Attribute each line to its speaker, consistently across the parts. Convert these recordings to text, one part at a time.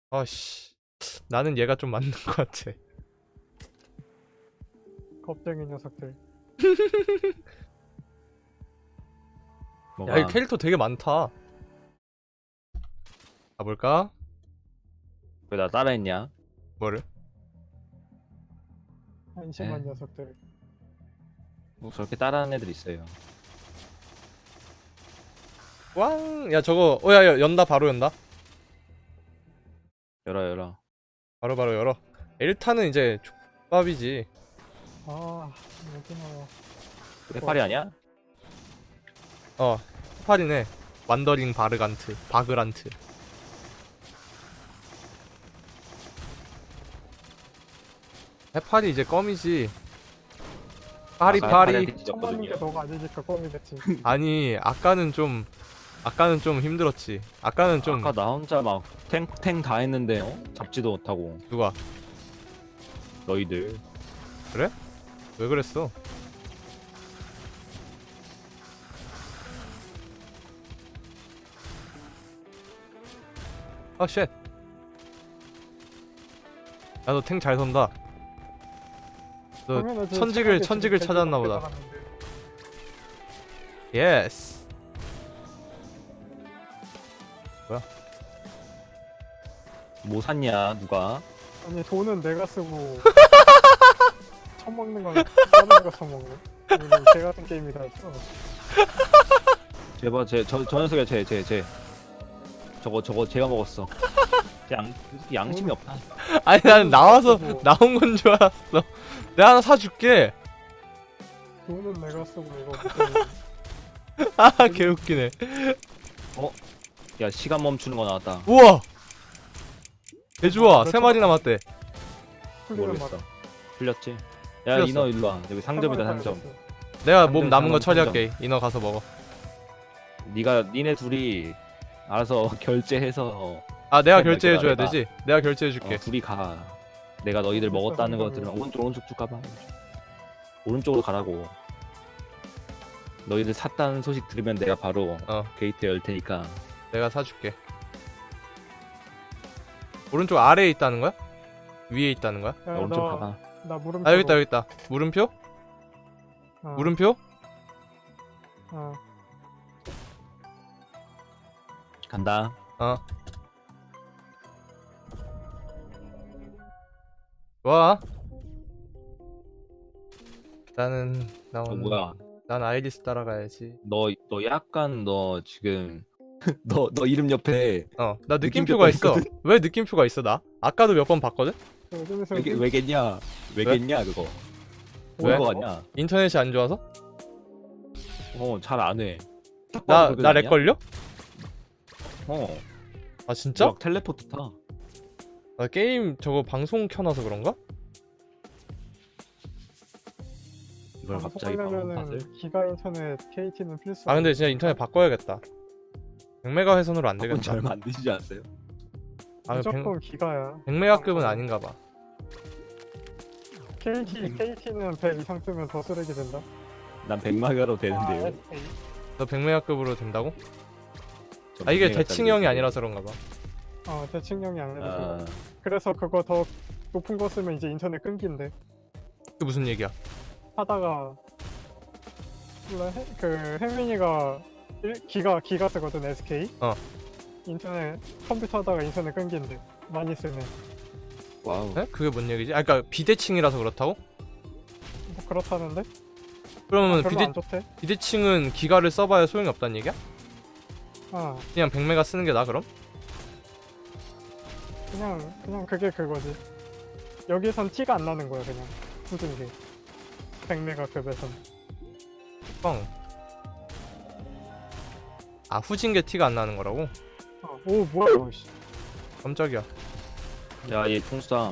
Speaker 1: 아씨, 나는 얘가 좀 맞는 것 같아.
Speaker 2: 겁쟁이 녀석들.
Speaker 3: 뭐가?
Speaker 1: 야, 이 캐릭터 되게 많다. 가볼까?
Speaker 3: 왜 나 따라했냐?
Speaker 1: 뭐를?
Speaker 2: 한심한
Speaker 3: 에.
Speaker 2: 녀석들.
Speaker 3: 뭐 저렇게 따라하는 애들 있어요.
Speaker 1: 왕! 야, 저거, 야, 연다, 바로 연다.
Speaker 3: 열어.
Speaker 1: 바로 열어. 일타는 이제 족밥이지.
Speaker 2: 아, 여기 나와.
Speaker 3: 해파리 아니야?
Speaker 1: 해파리네. 완더링 바그란트. 해파리 이제 껌이지. 파리.
Speaker 2: 처음 맞는 게 너가 아니니까 껌이 됐지.
Speaker 1: 아니, 아까는 좀 힘들었지. 아까는 좀
Speaker 3: 아까 나 혼자 막 탱 다 했는데 잡지도 못하고.
Speaker 1: 누가
Speaker 3: 너희들
Speaker 1: 왜 그랬어? 아, 쉣. 야, 너 탱 잘 선다. 너
Speaker 2: 당연하지,
Speaker 1: 천직을
Speaker 2: 착하게
Speaker 1: 찾았나
Speaker 2: 지금
Speaker 1: 보다.
Speaker 2: 나갔는데.
Speaker 1: 예스.
Speaker 3: 뭐 샀냐 누가?
Speaker 2: 아니 돈은 내가 쓰고 처먹는 건 다른 거 처먹네. 이거는 개 같은 게임이다 했어.
Speaker 3: 제발 저 녀석이야 쟤 저거 제가 먹었어. 양심이 없다.
Speaker 1: 아니, 나는 나와서
Speaker 2: 쓰고,
Speaker 1: 나온 건 줄 알았어. 내가 하나 사줄게.
Speaker 2: 돈은 내가 쓰고 이거 무슨
Speaker 1: 아, 개웃기네.
Speaker 3: 야 시간 멈추는 거 나왔다.
Speaker 1: 우와. 개 좋아.
Speaker 2: 몇
Speaker 1: 세 마리
Speaker 2: 초?
Speaker 1: 남았대.
Speaker 2: 풀리는
Speaker 3: 모르겠어.
Speaker 2: 맛.
Speaker 3: 풀렸지? 야
Speaker 1: 풀렸어.
Speaker 3: 인어 일로 와. 여기 상점이다 상점.
Speaker 1: 내가
Speaker 3: 상점,
Speaker 1: 몸 남은 거
Speaker 3: 상점.
Speaker 1: 처리할게. 인어 가서 먹어.
Speaker 3: 니네 둘이 알아서 결제해서
Speaker 1: 아, 내가
Speaker 3: 네,
Speaker 1: 결제해줘야
Speaker 3: 내가.
Speaker 1: 되지? 내가 결제해줄게.
Speaker 3: 둘이 가. 내가 너희들
Speaker 2: 알겠어,
Speaker 3: 먹었다는 거
Speaker 2: 상점이요.
Speaker 3: 들으면 오른쪽 쭉 가봐. 오른쪽으로 가라고. 너희들 샀다는 소식 들으면 내가 바로 게이트 열 테니까.
Speaker 1: 내가 사줄게. 오른쪽 아래에 있다는 거야? 위에 있다는 거야?
Speaker 2: 야,
Speaker 3: 오른쪽 가봐.
Speaker 2: 나 물음표.
Speaker 1: 아, 여기 있다. 물음표?
Speaker 2: 어,
Speaker 1: 물음표?
Speaker 2: 어.
Speaker 3: 간다.
Speaker 1: 좋아. 나는
Speaker 3: 뭐야?
Speaker 1: 난 아이리스 따라가야지.
Speaker 3: 너 약간 너 지금 너 이름 옆에
Speaker 1: 나 느낌표가 있어. 왜 느낌표가 있어, 나? 아까도 몇 번 봤거든?
Speaker 2: 요즘에서
Speaker 3: 왜겠냐? 왜겠냐 그거?
Speaker 1: 왜?
Speaker 3: 뭐거 같냐?
Speaker 1: 인터넷이 안 좋아서?
Speaker 3: 잘 안 해.
Speaker 1: 나 렉 걸려?
Speaker 3: 어.
Speaker 1: 아, 진짜?
Speaker 3: 막 텔레포트 타.
Speaker 1: 나 게임 저거 방송 켜놔서 그런가?
Speaker 3: 이걸 갑자기 방금 봤을?
Speaker 2: 기가 인터넷 KT는 필수.
Speaker 1: 아, 근데 진짜 인터넷 바꿔야겠다. 100메가 회선으로 안
Speaker 3: 그건
Speaker 1: 되겠다.
Speaker 3: 얼마 안 드시지 않았어요?
Speaker 1: 아,
Speaker 2: 무조건 기가야.
Speaker 1: 100메가급은 아닌가 봐.
Speaker 2: KT는 100 이상 쓰면 더 쓰레기 된다.
Speaker 3: 난 100마가로 되는데요.
Speaker 2: SK.
Speaker 1: 너 100메가급으로 된다고?
Speaker 3: 전
Speaker 1: 아, 이게
Speaker 3: 100메가짜리
Speaker 1: 대칭형이
Speaker 3: 되는데.
Speaker 1: 아니라서 그런가 봐.
Speaker 2: 대칭형이 아니라서.
Speaker 3: 아,
Speaker 2: 그래서 그거 더 높은 거 쓰면 이제 인터넷 끊긴대.
Speaker 1: 그게 무슨 얘기야?
Speaker 2: 하다가 몰라 혜민이가 기가 쓰거든 SK. 인터넷 컴퓨터 하다가 인터넷 끊긴대. 많이 쓰면.
Speaker 3: 와우.
Speaker 1: 에? 그게 뭔 얘기지? 아, 그니까 비대칭이라서 그렇다고?
Speaker 2: 뭐 그렇다는데?
Speaker 1: 그러면
Speaker 2: 별로 안 좋대.
Speaker 1: 비대칭은 기가를 써봐야 소용이 없다는 얘기야? 그냥 100메가 쓰는 게 나아, 그럼?
Speaker 2: 그냥 그게 그거지. 여기선 티가 안 나는 거야 그냥 굳은 게. 100메가 급에선.
Speaker 1: 아, 후진 게 티가 안 나는 거라고?
Speaker 2: 오 뭐야 이거. 씨.
Speaker 1: 깜짝이야.
Speaker 3: 야, 얘 통수다.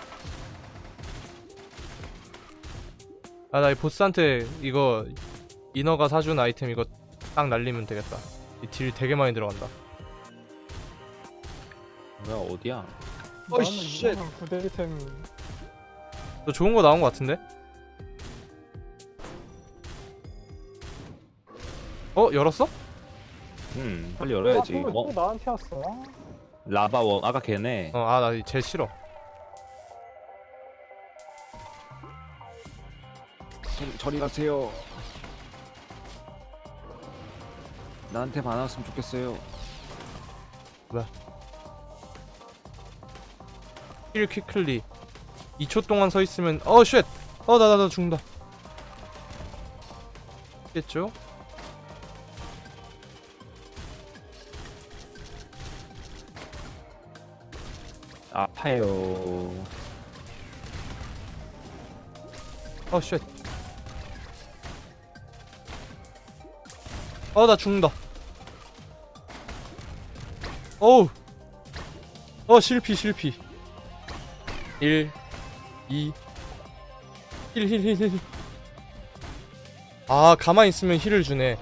Speaker 1: 아, 나 이 보스한테 이거 인어가 사준 아이템 이거 딱 날리면 되겠다. 이 딜 되게 많이 들어간다.
Speaker 3: 뭐야, 어디야?
Speaker 2: 나는
Speaker 3: 쉣.
Speaker 2: 이상한 구대리템.
Speaker 1: 너 좋은 거 나온 거 같은데? 열었어?
Speaker 3: 빨리 열어야지.
Speaker 2: 또 나한테 왔어.
Speaker 3: 라바원 아까 걔네.
Speaker 1: 아 나 쟤 싫어.
Speaker 3: 저리 가세요. 나한테 반왔으면 좋겠어요.
Speaker 1: 힐 퀵클리 2초 동안 서 있으면 쉣! 나 죽는다. 겠죠?
Speaker 3: 아파요.
Speaker 1: 쉣. 나 죽는다. 어우. 실피. 1 2 힐. 가만히 있으면 힐을 주네.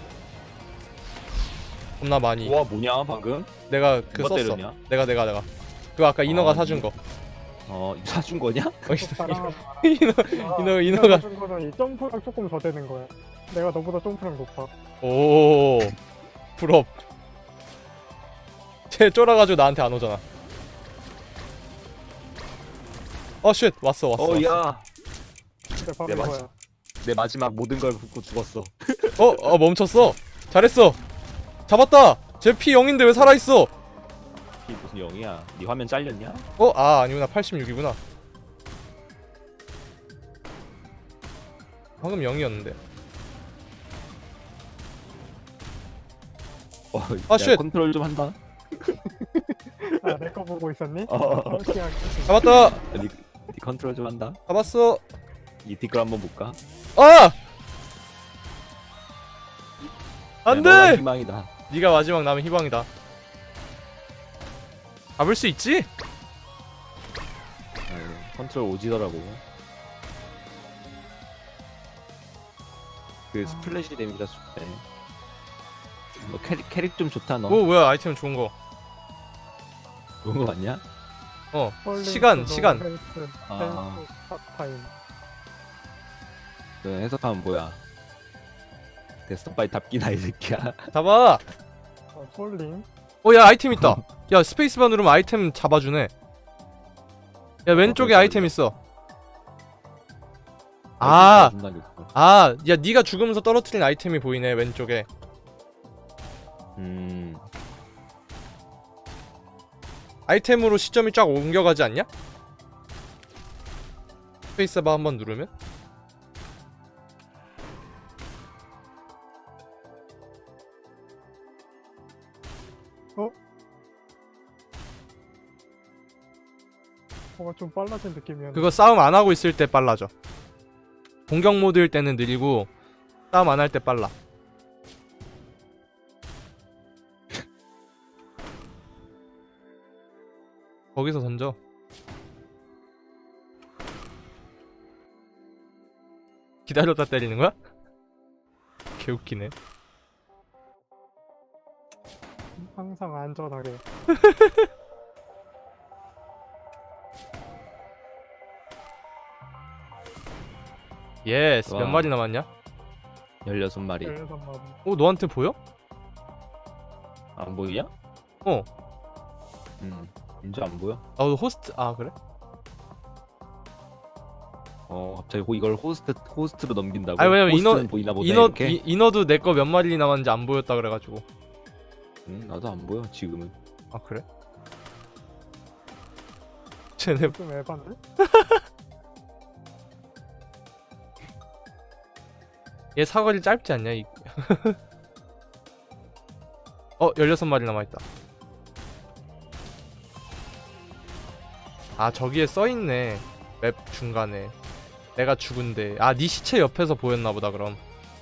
Speaker 1: 겁나 많이.
Speaker 3: 와 뭐냐 방금?
Speaker 1: 내가
Speaker 3: 누가
Speaker 1: 썼어.
Speaker 3: 때렸냐?
Speaker 1: 내가. 그거 아까 인어가 사준 거.
Speaker 3: 사준 거냐?
Speaker 1: 인어가.
Speaker 2: 준 거는 이 점프랑 조금 더 되는 거야. 내가 너보다 점프랑 높아.
Speaker 1: 오. 부럽. 쟤 쫄아가지고 나한테 안 오잖아. 쉣 왔어.
Speaker 3: 야.
Speaker 2: 근데 바로
Speaker 3: 내
Speaker 2: 이거야.
Speaker 3: 내 마지막 모든 걸 붓고 죽었어.
Speaker 1: 멈췄어. 잘했어. 잡았다. 쟤 피 0인데 왜 살아있어?
Speaker 3: 이 무슨 영이야? 네 화면 잘렸냐?
Speaker 1: 아니구나. 86이구나. 방금 0이었는데.
Speaker 3: 야,
Speaker 1: 쉣.
Speaker 3: 컨트롤 좀 한다.
Speaker 2: 내 거 보고 있었니? 시작.
Speaker 1: 잡았다.
Speaker 3: 네 컨트롤 좀 한다.
Speaker 1: 잡았어.
Speaker 3: 이 댓글 한번 볼까?
Speaker 1: 안돼.
Speaker 3: 너가 희망이다.
Speaker 1: 네가 마지막 남은 희망이다. 잡을 수 있지?
Speaker 3: 컨트롤 오지더라고. 그 스플래시 데미지가 좋대. 너 캐릭 좀 좋다 너.
Speaker 1: 뭐야 아이템 좋은 거.
Speaker 3: 그런 거 맞냐?
Speaker 1: 시간.
Speaker 3: 아.
Speaker 2: 타임.
Speaker 3: 그 해석하면 뭐야? 데스톱바이 답기나 이 새끼야.
Speaker 1: 잡아.
Speaker 2: 폴링.
Speaker 1: 야 아이템 있다. 야 스페이스바 누르면 아이템 잡아주네. 야 왼쪽에 아이템 있어. 야 네가 죽으면서 떨어뜨린 아이템이 보이네 왼쪽에. 아이템으로 시점이 쫙 옮겨가지 않냐? 스페이스바 한번 누르면?
Speaker 2: 뭔가 좀 빨라진 느낌이었는데.
Speaker 1: 그거 싸움 안 하고 있을 때 빨라져. 공격 모드일 때는 느리고 싸움 안 할 때 빨라. 거기서 던져. 기다렸다 때리는 거야? 개웃기네.
Speaker 2: 항상 안전하게.
Speaker 1: 예스. 몇
Speaker 3: 와.
Speaker 1: 마리 남았냐?
Speaker 3: 16마리.
Speaker 2: 16마리.
Speaker 1: 너한테 보여?
Speaker 3: 안 보이냐? 이제 안 보여?
Speaker 1: 너 호스트. 그래?
Speaker 3: 갑자기 이걸 호스트로 넘긴다고?
Speaker 1: 아니, 왜냐면
Speaker 3: 호스트는 보이나 보다 이렇게?
Speaker 1: 인어도 내 거 몇 마리 남았는지 안 보였다 그래가지고.
Speaker 3: 나도 안 보여 지금은.
Speaker 1: 그래? 쟤네
Speaker 2: 좀 에반데?
Speaker 1: 얘 사거리 짧지 않냐? 16마리 남아있다. 저기에 써있네. 맵 중간에 내가 죽은데. 네 시체 옆에서 보였나보다 그럼.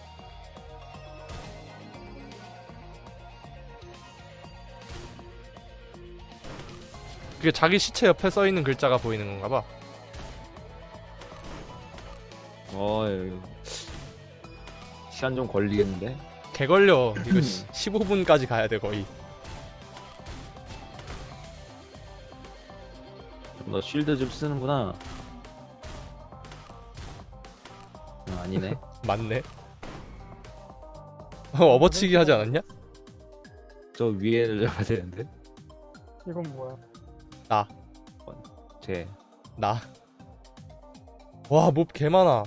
Speaker 1: 그게 자기 시체 옆에 써있는 글자가 보이는 건가봐.
Speaker 3: 시간 좀 걸리겠는데?
Speaker 1: 개 걸려. 이거 15분까지 가야 돼 거의.
Speaker 3: 너 쉴드 좀 쓰는구나. 아니네.
Speaker 1: 맞네. 업어치기 하지 않았냐?
Speaker 3: 저 위에를 잡아야 되는데.
Speaker 2: 이건 뭐야?
Speaker 3: 쟤
Speaker 1: 나. 와, 몹 개 많아.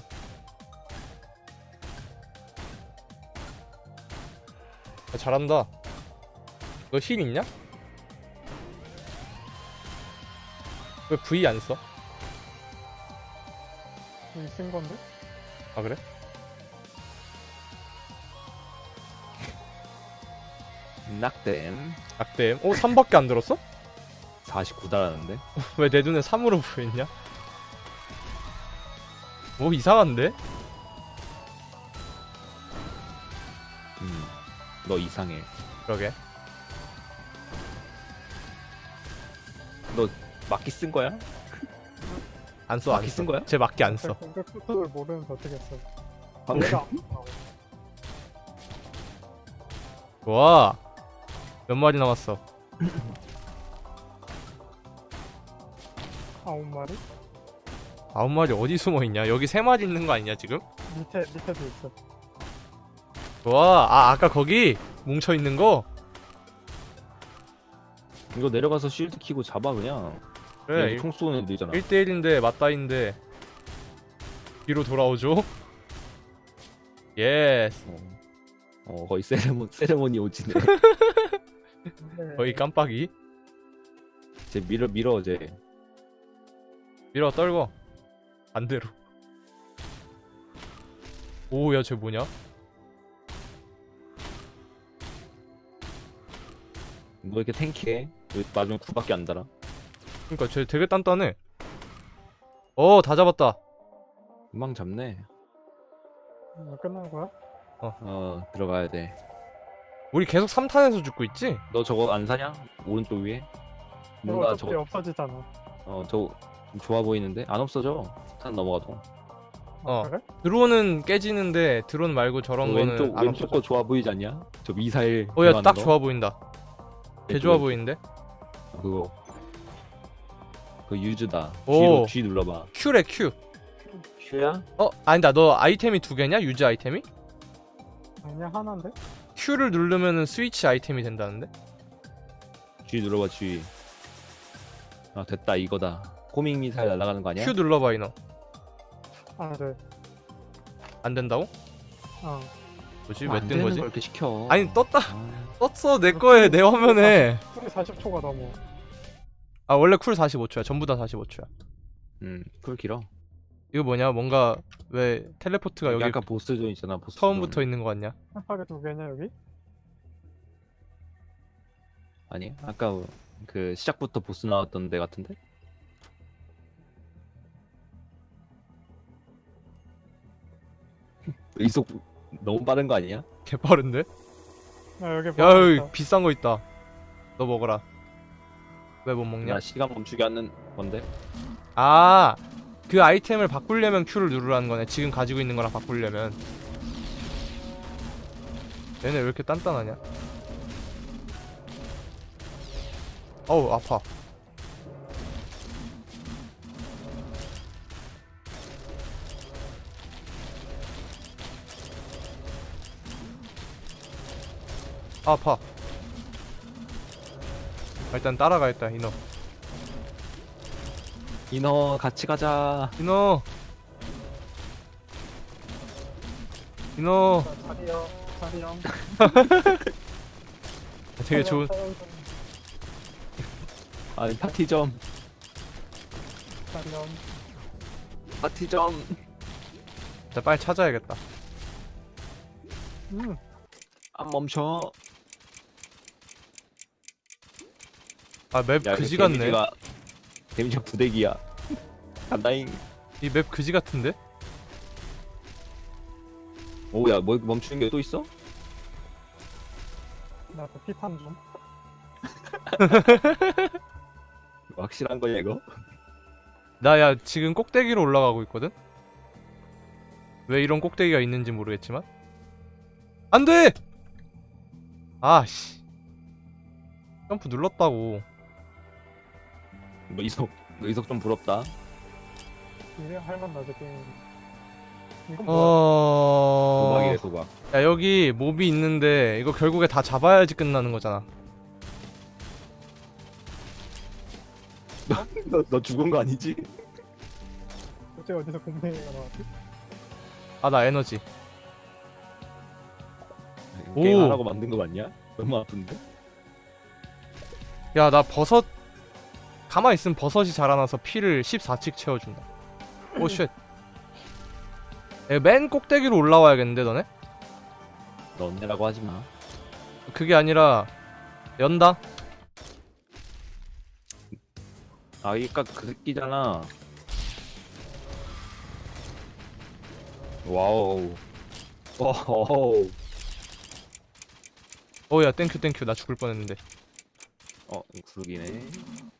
Speaker 1: 야, 잘한다. 너 힐 있냐? 왜 V 안 써?
Speaker 2: 여기 쓴 건데?
Speaker 1: 아, 그래?
Speaker 3: 낙댐
Speaker 1: 악댐. 3밖에 안 들었어?
Speaker 3: 49달하는데.
Speaker 1: 왜 내 눈에 3으로 보였냐? 뭐 이상한데?
Speaker 3: 너 이상해.
Speaker 1: 그러게.
Speaker 3: 너 막기 쓴 거야?
Speaker 1: 안 써, 안
Speaker 3: 막기
Speaker 1: 써.
Speaker 3: 쓴 거야?
Speaker 1: 쟤 막기 안 써.
Speaker 2: 공격 속도를 모르면서 어떻게 써?
Speaker 3: 방금
Speaker 2: 얘가 안 나와.
Speaker 1: 와. 몇 마리 남았어?
Speaker 2: 9마리?
Speaker 1: 9마리 어디 숨어 있냐? 여기 3마리 있는 거 아니냐, 지금?
Speaker 2: 밑에도 있어.
Speaker 1: 와, 아까 거기 뭉쳐 있는 거?
Speaker 3: 이거 내려가서 쉴드 키고 잡아 그냥.
Speaker 1: 그래.
Speaker 3: 총 쏘는 애들 있잖아.
Speaker 1: 1대1인데 맞다인데 뒤로 돌아오죠? 예스.
Speaker 3: 거의 세레모니 오지네.
Speaker 2: 네.
Speaker 1: 거의 깜빡이.
Speaker 3: 쟤 밀어 쟤.
Speaker 1: 밀어 떨궈. 반대로. 오, 야, 쟤 뭐냐?
Speaker 3: 너 이렇게 탱키해? 왜 맞으면 9밖에 안 달아?
Speaker 1: 그니까 쟤 되게 단단해. 다 잡았다.
Speaker 3: 금방 잡네.
Speaker 2: 끝난 거야?
Speaker 3: 들어가야 돼.
Speaker 1: 우리 계속 3탄에서 죽고 있지?
Speaker 3: 너 저거 안 사냐? 오른쪽 위에? 뭔가
Speaker 2: 어차피
Speaker 3: 저거
Speaker 2: 없어지잖아.
Speaker 3: 저거 좀 좋아 보이는데? 안 없어져. 탄 넘어가도.
Speaker 1: 어.
Speaker 2: 그래?
Speaker 1: 드론은 깨지는데 드론 말고 저런 거는 안
Speaker 3: 왼쪽
Speaker 1: 없어져.
Speaker 3: 거 좋아 보이지 않냐? 저 미사일
Speaker 1: 야,
Speaker 3: 들어가는
Speaker 1: 딱
Speaker 3: 거?
Speaker 1: 좋아 보인다. 개
Speaker 3: 왼쪽,
Speaker 1: 좋아
Speaker 3: 왼쪽.
Speaker 1: 보이는데?
Speaker 3: 그거 유즈다.
Speaker 1: 오.
Speaker 3: G 눌러봐.
Speaker 1: Q래, Q.
Speaker 3: Q야?
Speaker 1: 아니다. 너 아이템이 2개냐? 유지 아이템이?
Speaker 2: 아니야 하나인데?
Speaker 1: Q를 누르면은 스위치 아이템이 된다는데?
Speaker 3: G 눌러봐 G. 아 됐다 이거다. 호밍 미사일 날아가는 거 아니야?
Speaker 1: Q 눌러봐, 이너.
Speaker 2: 아 네.
Speaker 1: 안 된다고?
Speaker 2: 어.
Speaker 1: 뭐지?
Speaker 3: 안
Speaker 1: 왜 뜬
Speaker 3: 되는
Speaker 1: 거지?
Speaker 3: 걸 이렇게 시켜.
Speaker 1: 아니, 떴다.
Speaker 3: 아,
Speaker 1: 떴어, 내 거에, 내 화면에.
Speaker 2: 쿨이 40초가 넘어.
Speaker 1: 아, 원래 쿨 45초야. 전부 다 45초야.
Speaker 3: 쿨 길어.
Speaker 1: 이거 뭐냐? 뭔가 왜 텔레포트가 여기
Speaker 3: 아까 보스존 있잖아. 보스존.
Speaker 1: 처음부터 있는 거 같냐?
Speaker 2: 깜빡이 2개냐 여기?
Speaker 3: 아니 아까 그 시작부터 보스 나왔던 데 같은데? 이속 너무 빠른 거 아니야?
Speaker 1: 개빠른데?
Speaker 2: 아 여기
Speaker 1: 야,
Speaker 2: 뭐가
Speaker 1: 여기
Speaker 2: 있다.
Speaker 1: 비싼 거 있다. 너 먹어라. 왜 못 먹냐?
Speaker 3: 나 시간 멈추게 하는 건데.
Speaker 1: 아, 그 아이템을 바꾸려면 Q를 누르라는 거네. 지금 가지고 있는 거랑 바꾸려면. 얘네 왜 이렇게 단단하냐? 어우, 아파. 아파. 일단 따라가야겠다, 이너.
Speaker 3: 인어 같이 가자.
Speaker 1: 이너. 이너.
Speaker 2: 자리형.
Speaker 1: 되게 좋은.
Speaker 3: 아니 파티점.
Speaker 2: 자리형.
Speaker 3: 파티점.
Speaker 1: 자, 빨리 찾아야겠다.
Speaker 3: 안 멈춰.
Speaker 1: 아, 맵
Speaker 3: 야,
Speaker 1: 그지
Speaker 3: 이거
Speaker 1: 같네.
Speaker 3: 데미지가 부대기야. 간다잉.
Speaker 1: 이 맵 그지 같은데?
Speaker 3: 오야 뭐 멈추는 게 또 있어?
Speaker 2: 나도 피탄 좀.
Speaker 3: 확실한 거냐 이거?
Speaker 1: 나 야 지금 꼭대기로 올라가고 있거든? 왜 이런 꼭대기가 있는지 모르겠지만 안돼! 아씨 점프 눌렀다고.
Speaker 3: 너 이석 좀 부럽다.
Speaker 2: 이래 할만 나지 게임. 이건 뭐야?
Speaker 3: 도박이래 도박.
Speaker 1: 야 여기 몹이 있는데 이거 결국에 다 잡아야지 끝나는 거잖아.
Speaker 3: 너 죽은 거 아니지?
Speaker 2: 어째 어디서 공룡이가 나왔지?
Speaker 1: 아 나 에너지.
Speaker 3: 게임
Speaker 1: 오.
Speaker 3: 하라고 만든 거 맞냐? 너무 아픈데?
Speaker 1: 야 나 버섯 가만히 있으면 버섯이 자라나서 피를 14씩 채워준다. 오 쉣. 맨 꼭대기로 올라와야겠는데 너네?
Speaker 3: 너네라고 하지 마.
Speaker 1: 그게 아니라 연다.
Speaker 3: 아 이까 그 새끼잖아. 와우. 오호.
Speaker 1: 어야 땡큐 땡큐 나 죽을 뻔했는데.
Speaker 3: 구르기네.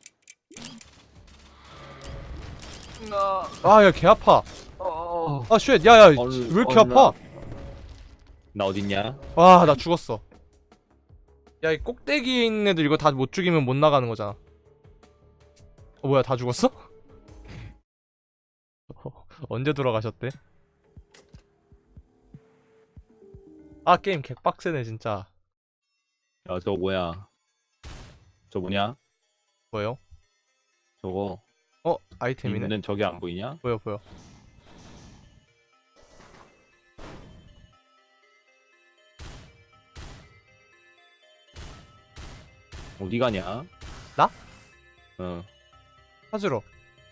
Speaker 1: 아 야 개 아파.
Speaker 3: 어.
Speaker 1: 아 쉣. 야야 왜
Speaker 3: 얼른,
Speaker 1: 이렇게
Speaker 3: 얼른
Speaker 1: 아파?
Speaker 3: 나 어딨냐?
Speaker 1: 와 나 죽었어. 야 이 꼭대기에 있는 애들 이거 다 못 죽이면 못 나가는 거잖아. 뭐야 다 죽었어? 언제 돌아가셨대? 아 게임 개빡세네 진짜.
Speaker 3: 야 저거 뭐야? 저 뭐냐?
Speaker 1: 뭐요?
Speaker 3: 저거
Speaker 1: 아이템이네.
Speaker 3: 있는 저게 안 보이냐?
Speaker 1: 보여 보여.
Speaker 3: 어디 가냐?
Speaker 1: 나?
Speaker 3: 어
Speaker 1: 찾으러.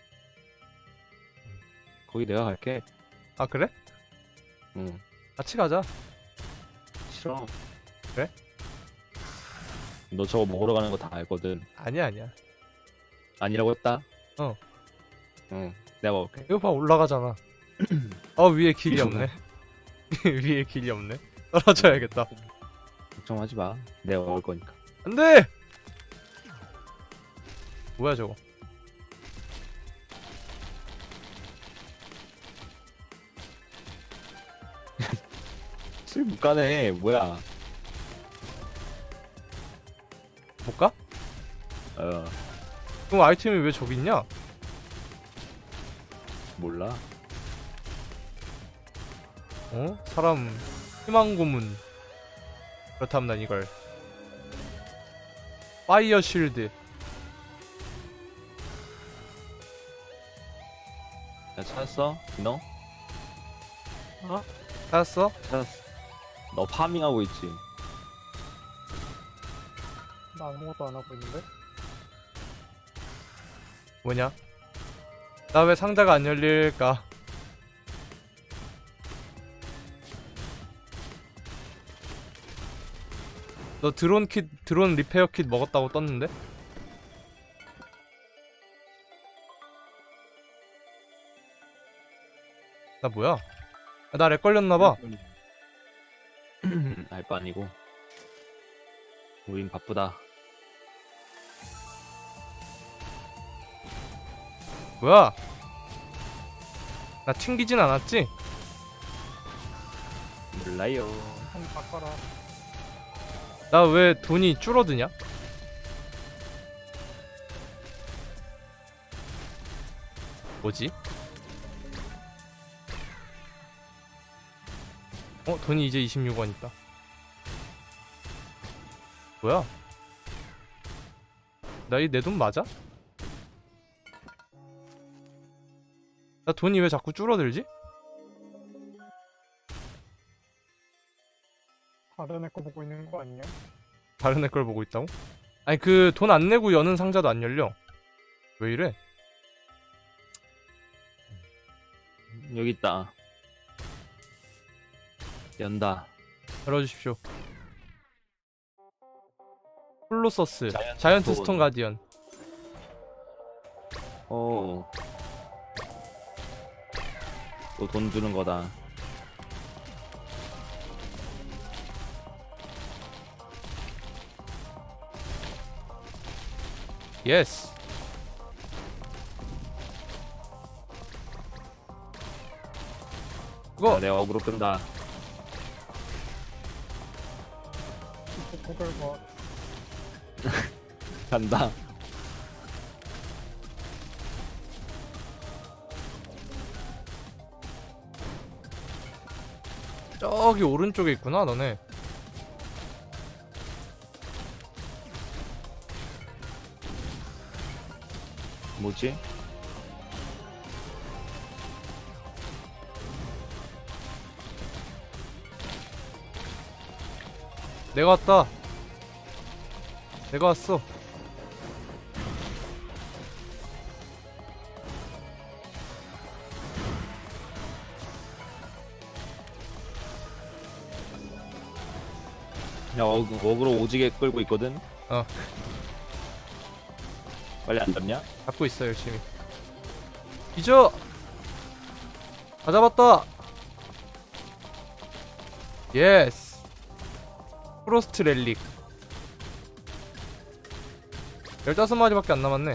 Speaker 3: 거기 내가 갈게.
Speaker 1: 아 그래?
Speaker 3: 응
Speaker 1: 같이 가자.
Speaker 3: 싫어.
Speaker 1: 그래?
Speaker 3: 너 저거 먹으러 가는 거 다 알거든.
Speaker 1: 아니야 아니야.
Speaker 3: 아니라고 했다.
Speaker 1: 어.
Speaker 3: 응 내가 먹을게.
Speaker 1: 이거 봐 올라가잖아. 위에 길이 없네. 위에 길이 없네. 떨어져야겠다.
Speaker 3: 걱정하지 마. 내가 먹을 거니까.
Speaker 1: 안돼. 뭐야 저거?
Speaker 3: 술 못 가네. 뭐야?
Speaker 1: 못 가?
Speaker 3: 어
Speaker 1: 그럼 아이템이 왜 저기 있냐?
Speaker 3: 몰라.
Speaker 1: 사람 희망 고문. 그렇다면 난 이걸 파이어 쉴드.
Speaker 3: 야 찾았어? 너?
Speaker 1: 찾았어?
Speaker 3: 찾았어. 너 파밍하고 있지?
Speaker 2: 나 아무것도 안 하고 있는데?
Speaker 1: 뭐냐? 나 왜 상자가 안 열릴까? 너 드론 리페어 킷 먹었다고 떴는데? 나 뭐야? 나 렉 걸렸나봐.
Speaker 3: 알바 아니고. 우린 바쁘다.
Speaker 1: 뭐야? 나 튕기진 않았지?
Speaker 3: 몰라요.
Speaker 2: 한 바꿔라.
Speaker 1: 나 왜 돈이 줄어드냐? 뭐지? 돈이 이제 26원 있다. 뭐야? 나 이 내 돈 맞아? 나 돈이 왜 자꾸 줄어들지?
Speaker 2: 다른 애 거 보고 있는 거 아니야?
Speaker 1: 다른 애 걸 보고 있다고? 아니 그 돈 안 내고 여는 상자도 안 열려. 왜 이래?
Speaker 3: 여기 있다. 연다.
Speaker 1: 열어주십시오. 홀로서스
Speaker 3: 자이언트
Speaker 1: 자이언트
Speaker 3: 스톤.
Speaker 1: 스톤 가디언.
Speaker 3: 또 돈 주는 거다.
Speaker 1: 예스.
Speaker 3: 야,
Speaker 1: 그거
Speaker 3: 내가 어그로 끈다.
Speaker 2: 그걸 뭐
Speaker 3: 간다.
Speaker 1: 저기 오른쪽에 있구나 너네.
Speaker 3: 뭐지?
Speaker 1: 내가 왔다. 내가 왔어.
Speaker 3: 야, 어그로 오지게 끌고 있거든?
Speaker 1: 어.
Speaker 3: 빨리 안 잡냐?
Speaker 1: 잡고 있어 열심히. 잊어. 다 잡았다. 예스. 프로스트 렐릭. 15마리밖에 안 남았네.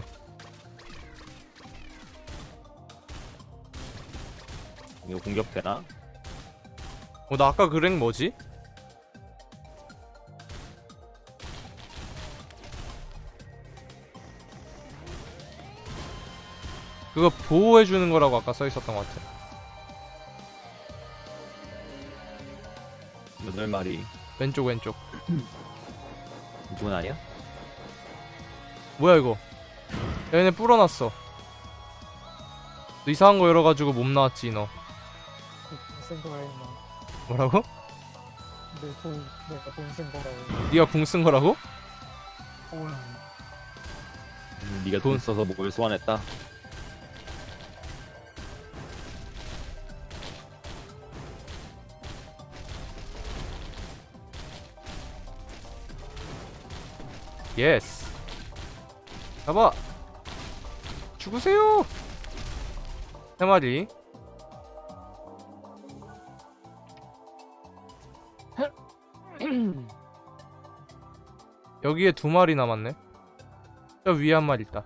Speaker 3: 이거 공격되나?
Speaker 1: 나 아까 그 랭 뭐지? 그거 보호해주는 거라고 아까 써있었던 것 같아.
Speaker 3: 8마리.
Speaker 1: 왼쪽 왼쪽.
Speaker 3: 이건 아니야?
Speaker 1: 뭐야 이거? 야, 얘네 불어놨어. 너 이상한 거 열어가지고 몸 나왔지 너.
Speaker 2: 쓴 거야 임마.
Speaker 1: 뭐라고?
Speaker 2: 내가 돈 쓴 거라고.
Speaker 1: 네가 궁 쓴 거라고?
Speaker 3: 네가 돈 써서 뭘 소환했다?
Speaker 1: 예스. 잡아. 죽으세요. 3마리. 여기에 2마리 남았네. 저 위에 1마리 있다.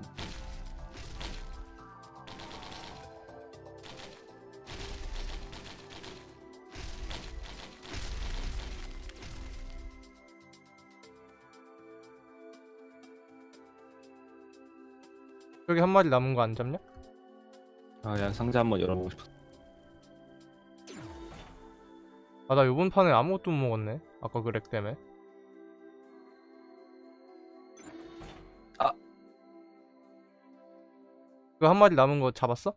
Speaker 1: 여기 1마리 남은 거 안 잡냐?
Speaker 3: 아, 야, 상자 한번 열어보고 싶어.
Speaker 1: 아, 나 요번 판에 아무것도 못 먹었네. 아까 그 렉 때문에.
Speaker 3: 아.
Speaker 1: 그 1마리 남은 거 잡았어?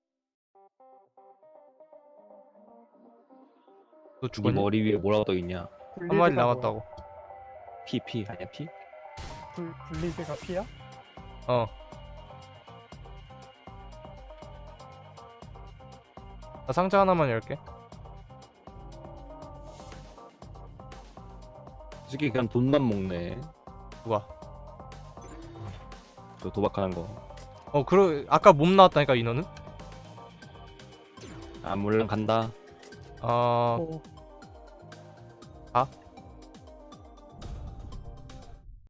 Speaker 1: 너
Speaker 3: 네
Speaker 1: 죽었니?
Speaker 3: 머리 위에 뭐라고 떠있냐?
Speaker 1: 1마리 남았다고.
Speaker 3: 피 아니야 피?
Speaker 2: 블리드가 피야?
Speaker 1: 어. 나 상자 하나만 열게.
Speaker 3: 솔직히 그냥 돈만 먹네.
Speaker 1: 누가?
Speaker 3: 저 도박하는 거.
Speaker 1: 아까 몸 나왔다니까 인원은?
Speaker 3: 아, 물론 간다.
Speaker 1: 어.
Speaker 2: 오.
Speaker 1: 아?